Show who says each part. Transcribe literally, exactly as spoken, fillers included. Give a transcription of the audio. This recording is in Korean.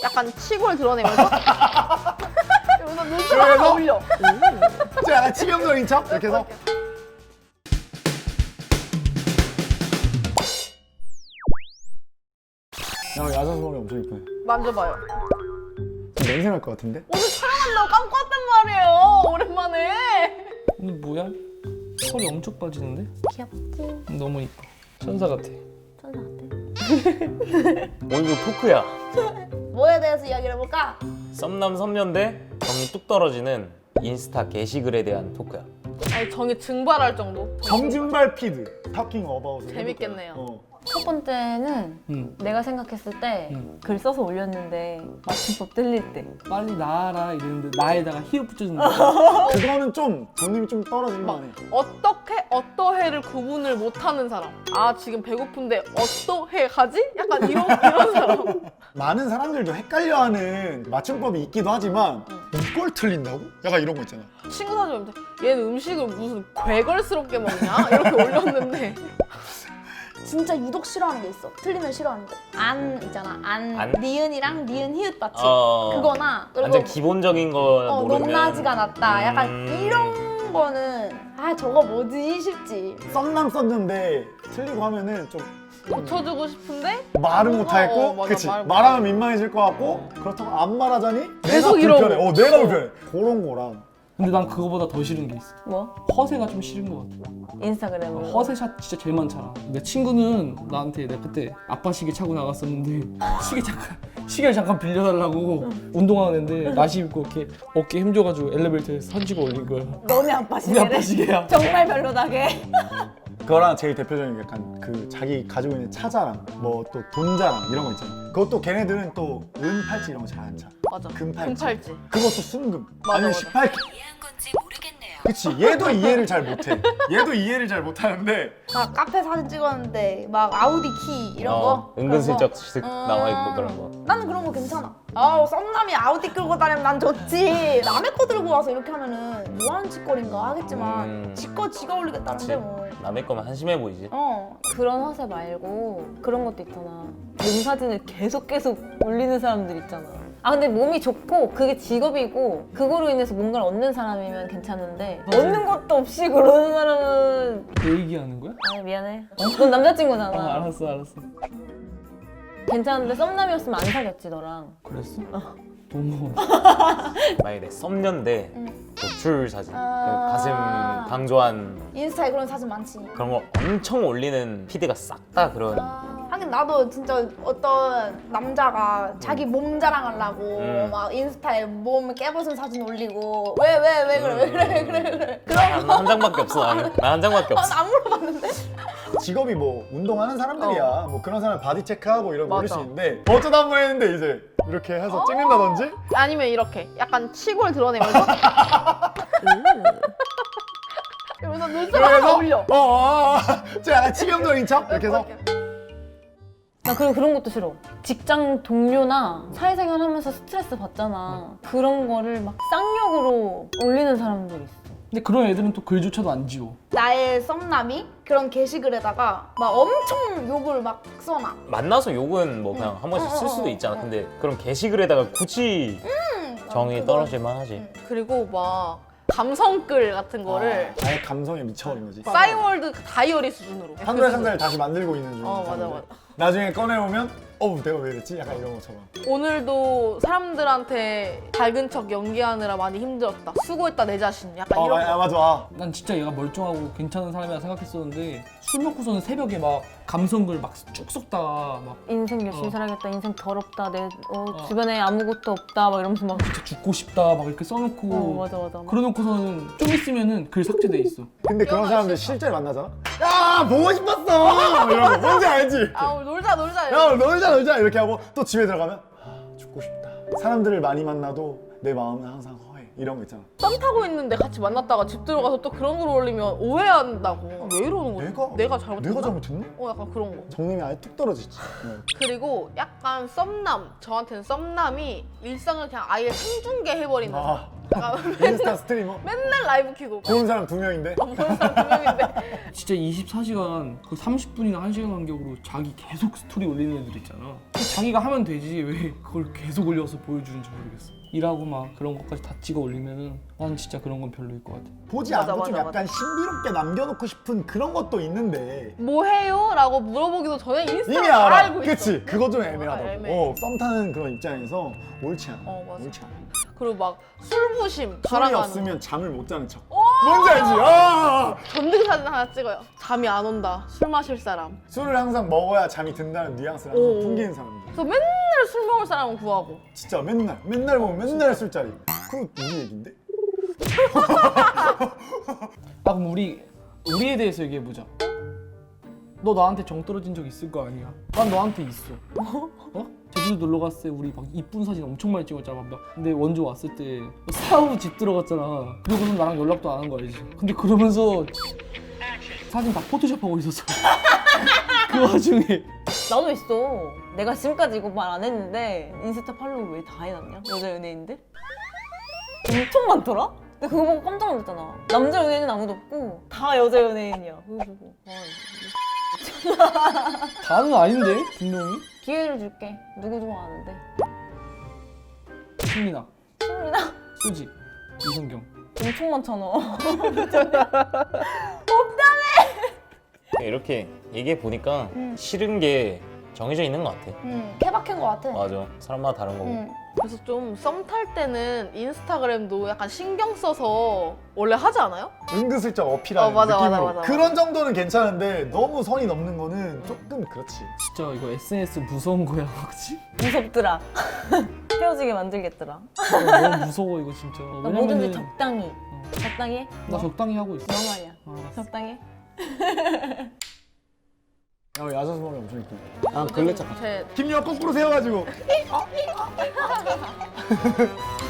Speaker 1: 약간 치골 드러내면서 여기서 눈썹 올려.
Speaker 2: 저 약간 치명적인 척 이렇게 해서. 야, 야자수목이 엄청 이쁘네.
Speaker 1: 만져봐요.
Speaker 2: 냄새 날 것 같은데?
Speaker 1: 오늘 촬영한다고 감고 왔단 말이에요. 오랜만에.
Speaker 3: 근데 뭐야? 털이 엄청 빠지는데?
Speaker 1: 귀엽지?
Speaker 3: 너무 이뻐. 천사 같아.
Speaker 1: 천사 같아.
Speaker 4: 오늘도 토크야.
Speaker 1: 뭐에 대해서 이야기를 해볼까?
Speaker 4: 썸남 썸녀인데 정이 뚝 떨어지는 인스타 게시글에 대한 토크야.
Speaker 1: 아니 정이 증발할 정도.
Speaker 2: 정진발 피드 타킹 어바웃.
Speaker 1: 재밌겠네요.
Speaker 2: 어.
Speaker 5: 첫 번째는
Speaker 3: 응.
Speaker 5: 내가 생각했을 때 글
Speaker 3: 응.
Speaker 5: 써서 올렸는데 맞춤법 틀릴 때
Speaker 3: 빨리 나와라 이랬는데 나에다가 히읗 붙여준다.
Speaker 2: 그거는 좀 정님이 좀 떨어질만
Speaker 1: 막
Speaker 2: 해.
Speaker 1: 어떻게 어떠해를 구분을 못하는 사람. 아 지금 배고픈데 어떠해 가지? 약간 이런 이런 사람.
Speaker 2: 많은 사람들도 헷갈려하는 맞춤법이 있기도 하지만 이걸 틀린다고? 약간 이런 거 있잖아.
Speaker 1: 친구 사진 보면 얘는 음식을 무슨 괴걸스럽게 먹냐? 이렇게 올렸는데
Speaker 6: 진짜 유독 싫어하는 게 있어. 틀리면 싫어하는 거. 안 있잖아. 안,
Speaker 4: 안?
Speaker 6: 니은이랑 니은 히읗 받침.
Speaker 4: 어.
Speaker 6: 그거나 그리고
Speaker 4: 완전 기본적인 거
Speaker 6: 어,
Speaker 4: 모르면
Speaker 6: 높낮이가 낮다. 약간
Speaker 4: 음.
Speaker 6: 이런 거는 아 저거 뭐지 싶지.
Speaker 2: 썸남 썼는데 틀리고 하면은 좀
Speaker 1: 고쳐주고 싶은데
Speaker 2: 말은 못하겠고,
Speaker 1: 어, 맞아,
Speaker 2: 그치?
Speaker 1: 말 못-
Speaker 2: 말하면 민망해질 것 같고, 그렇다고 안 말하자니
Speaker 1: 계속
Speaker 2: 내가 불편해.
Speaker 1: 이러고.
Speaker 2: 어, 내가 불편해. 그런 거랑.
Speaker 3: 근데 난 그거보다 더 싫은 게 있어.
Speaker 5: 뭐?
Speaker 3: 허세가 좀 싫은 것 같아.
Speaker 5: 인스타그램으로
Speaker 3: 허세샷 진짜 제일 많잖아. 내 친구는 나한테 내가 그때 아빠 시계 차고 나갔었는데 시계 잠깐 시계를 잠깐 빌려달라고 운동하는데 나시 입고 이렇게 어깨 힘줘가지고 엘리베이터에서 사진 찍어 올린 거야.
Speaker 5: 너네 아빠
Speaker 3: 우리 아빠
Speaker 5: 시계를
Speaker 3: 시계야.
Speaker 5: 정말 별로다게
Speaker 2: 그거랑 제일 대표적인 게 약간 그 자기 가지고 있는 차자랑 뭐 또 돈자랑 이런 거 있잖아. 그것도 걔네들은 또 은팔찌 이런 거 잘 안 차.
Speaker 1: 맞아.
Speaker 2: 금팔찌.
Speaker 1: 금팔찌.
Speaker 2: 그것도 순금.
Speaker 1: 맞아,
Speaker 2: 아니면
Speaker 1: 맞아.
Speaker 2: 십팔 개. 그치, 얘도 이해를 잘 못해. 얘도 이해를 잘 못하는데
Speaker 6: 막 카페 사진 찍었는데 막 아우디 키 이런
Speaker 4: 어,
Speaker 6: 거.
Speaker 4: 은근슬쩍
Speaker 6: 그런 거.
Speaker 4: 나와 있고 그런 거.
Speaker 6: 나는 그런 거 괜찮아. 아 썸남이 아우디 끌고 다니면 난 좋지. 남의 거 들고 와서 이렇게 하면은 뭐 하는 짓거리인가 하겠지만
Speaker 4: 음.
Speaker 6: 지거 지가 올리겠다는데
Speaker 4: 그치.
Speaker 6: 뭐.
Speaker 4: 남의 거면 한심해 보이지.
Speaker 6: 어.
Speaker 5: 그런 허세 말고 그런 것도 있잖아. 몸 사진을 계속 계속 올리는 사람들 있잖아. 아 근데 몸이 좋고 그게 직업이고 그거로 인해서 뭔가를 얻는 사람이면 괜찮은데 얻는 것도 없이 그러는 사람은
Speaker 3: 내 얘기하는 거야?
Speaker 5: 아 미안해. 넌 남자친구잖아.
Speaker 3: 아 알았어 알았어.
Speaker 5: 괜찮은데 썸남이었으면 안 사귀었지 너랑.
Speaker 3: 그랬어? 너무
Speaker 4: 만약에 내 썸녀인데 노출 사진,
Speaker 6: 아.
Speaker 4: 가슴 강조한
Speaker 6: 인스타에 그런 사진 많지.
Speaker 4: 그런 거 엄청 올리는 피드가 싹 다 그런.
Speaker 6: 하긴 나도 진짜 어떤 남자가 자기 몸 자랑하려고
Speaker 4: 음.
Speaker 6: 막 인스타에 몸 깨벗은 사진 올리고 왜 왜 왜 그래 왜 그래 왜 그래 왜 그래 그런
Speaker 4: 한, 한 장밖에 없어 나는. 나 한 장밖에 없어.
Speaker 6: 거안 물어봤는데
Speaker 2: 직업이 뭐 운동하는 사람들이야. 뭐 그런 사람 바디 체크하고 이런 거 올릴 수
Speaker 1: 맞아.
Speaker 2: 있는데 어쩌다 한 번 했는데 이제 이렇게 해서 찍는다든지
Speaker 1: 아니면 이렇게 약간 치골 드러내면서 여기서 눈썹 하나 올려.
Speaker 2: 어, 어, 어. 저 약간 치명적인 척 이렇게 해서
Speaker 5: 나 그리고 그런 것도 싫어. 직장 동료나 사회생활 하면서 스트레스 받잖아. 그런 거를 막 쌍욕으로 올리는 사람들 있어.
Speaker 3: 근데 그런 애들은 또 글조차도 안 지워.
Speaker 6: 나의 썸남이 그런 게시글에다가 막 엄청 욕을 막 써놔.
Speaker 4: 만나서 욕은 뭐 그냥 한 번씩 쓸 수도 있잖아. 근데 그런 게시글에다가 굳이 정이
Speaker 6: 그거.
Speaker 4: 떨어질 만하지.
Speaker 1: 그리고 막 감성글 같은 거를
Speaker 2: 아예 감성에 미쳐버린 거지.
Speaker 1: 싸이월드 다이어리 수준으로.
Speaker 2: 한 달 한 달 다시 만들고 있는 중.
Speaker 1: 어 맞아 맞아.
Speaker 2: 나중에 꺼내오면 어우 내가 왜 이랬지? 약간 이런 것처럼.
Speaker 1: 오늘도 사람들한테 밝은 척 연기하느라 많이 힘들었다. 수고했다 내 자신. 약간
Speaker 2: 어,
Speaker 1: 이런
Speaker 2: 아, 아,
Speaker 1: 거.
Speaker 2: 맞아. 아.
Speaker 3: 난 진짜 얘가 멀쩡하고 괜찮은 사람이라 생각했었는데 술 먹고서는 새벽에 막 감성글 막 쭉 쏟다가 막
Speaker 5: 인생 열심히
Speaker 3: 어.
Speaker 5: 살아야겠다. 인생 더럽다. 내 어,
Speaker 3: 어.
Speaker 5: 주변에 아무것도 없다. 막 이러면서 막
Speaker 3: 진짜 죽고 싶다 막 이렇게 써놓고
Speaker 5: 어, 맞아 맞아. 막.
Speaker 3: 그러놓고서는 좀 있으면은 글 삭제돼 있어.
Speaker 2: 근데 그런 사람들 실제로 만나잖아? 야 보고 싶었어! 이런 거 뭔지 알지?
Speaker 1: 아 우리 놀자 놀자.
Speaker 2: 야 놀자 놀자 이렇게 하고 또 집에 들어가면 아 죽고 싶다. 사람들을 많이 만나도 내 마음은 항상 허해. 이런 거 있잖아.
Speaker 1: 썸 타고 있는데 같이 만났다가 집 들어가서 또 그런 걸 올리면 오해한다고. 왜 이러는 거지?
Speaker 2: 내가
Speaker 1: 내가 잘못했나?
Speaker 2: 내가 잘못했나?
Speaker 1: 어 약간 그런 거.
Speaker 2: 정님이 아예 뚝 떨어지지. 네.
Speaker 1: 그리고 약간 썸남, 저한테는 썸남이 일상을 그냥 아예 생중계 해버리는 사람.
Speaker 2: 아
Speaker 1: 약간
Speaker 2: 인스타 스트리머?
Speaker 1: 맨날 라이브 키고
Speaker 2: 보는 사람 두 명인데?
Speaker 1: 보는 사람 두 명인데
Speaker 3: 진짜 이십사 시간 거의 삼십 분이나 한 시간 간격으로 자기 계속 스토리 올리는 애들 있잖아. 자기가 하면 되지 왜 그걸 계속 올려서 보여주는지 모르겠어. 일하고 막 그런 것까지 다 찍어 올리면은 난 진짜 그런 건 별로일 것 같아.
Speaker 2: 보지
Speaker 6: 맞아,
Speaker 2: 않고 좀
Speaker 6: 맞아,
Speaker 2: 약간 신비롭게 남겨놓고 싶은 그런 것도 있는데
Speaker 1: 뭐 해요? 라고 물어보기도 전에 인스타를
Speaker 2: 이미
Speaker 1: 다
Speaker 2: 알아.
Speaker 1: 알고 있어.
Speaker 2: 그치? 그거 좀
Speaker 1: 아,
Speaker 2: 애매하다고.
Speaker 1: 애매해.
Speaker 2: 어, 썸 타는 그런 입장에서 옳지 않아.
Speaker 1: 어, 맞아.
Speaker 2: 옳지 않아.
Speaker 1: 그리고 막 술부심
Speaker 2: 술이
Speaker 1: 자랑하는
Speaker 2: 없으면 잠을 못 자는 척. 뭔지 알지? 아!
Speaker 1: 전등 사진 하나 찍어요. 잠이 안 온다. 술 마실 사람.
Speaker 2: 술을 항상 먹어야 잠이 든다는 뉘앙스를 항상
Speaker 1: 오.
Speaker 2: 풍기는 사람들.
Speaker 1: 그래서 맨날 술 먹을 사람은 구하고.
Speaker 2: 진짜 맨날 맨날 먹으면 맨날 술자리. 그거 우리 얘긴데?
Speaker 3: 아 그럼 우리 우리에 대해서 얘기해 보자. 너 나한테 정 떨어진 적 있을 거 아니야? 난 너한테 있어. 어? 제주도 놀러 갔을 때 우리 막 이쁜 사진 엄청 많이 찍었잖아. 막 근데 원조 왔을 때 사우 집 들어갔잖아. 그리고는 나랑 연락도 안 한 거 알지? 근데 그러면서 사진 다 포토샵하고 있었어. 그 와중에
Speaker 5: 나도 있어. 내가 지금까지 이거 말 안 했는데 인스타 팔로우 왜 다 해놨냐? 여자 연예인들? 엄청 많더라? 근데 그거 보고 깜짝 놀랐잖아. 남자 연예인은 아무도 없고 다 여자 연예인이야. 그래가지고 아,
Speaker 3: 다는 아닌데 분명히.
Speaker 5: 기회를 줄게. 누구 좋아하는데?
Speaker 3: 신민아,
Speaker 5: 신민아?
Speaker 3: 소지, 이성경.
Speaker 5: 엄청 많잖아.
Speaker 4: 이렇게 얘기해 보니까 싫은 게 정해져 있는 것 같아.
Speaker 6: 응, 케바케인 것 같아.
Speaker 4: 맞아. 사람마다 다른 거고.
Speaker 6: 응.
Speaker 1: 그래서 좀 썸 탈 때는 인스타그램도 약간 신경 써서 원래 하지 않아요?
Speaker 2: 은근슬쩍 어필하는
Speaker 1: 어, 맞아,
Speaker 2: 느낌으로.
Speaker 1: 맞아, 맞아, 맞아.
Speaker 2: 그런 정도는 괜찮은데 너무 선이 넘는 거는 조금 그렇지.
Speaker 3: 진짜 이거 에스엔에스 무서운 거야, 그렇지?
Speaker 5: 무섭더라. 헤어지게 만들겠더라.
Speaker 3: 너무 무서워 이거 진짜.
Speaker 5: 나 뭐든지 적당히. 적당히 해?
Speaker 3: 나 적당히 하고 있어.
Speaker 5: 너 말이야.
Speaker 3: 알았어.
Speaker 5: 적당히 해?
Speaker 2: 야, 야자수 머리 엄청 이쁘. 아, 걸레짝.
Speaker 1: 제
Speaker 2: 김유아 거꾸로 세워가지고.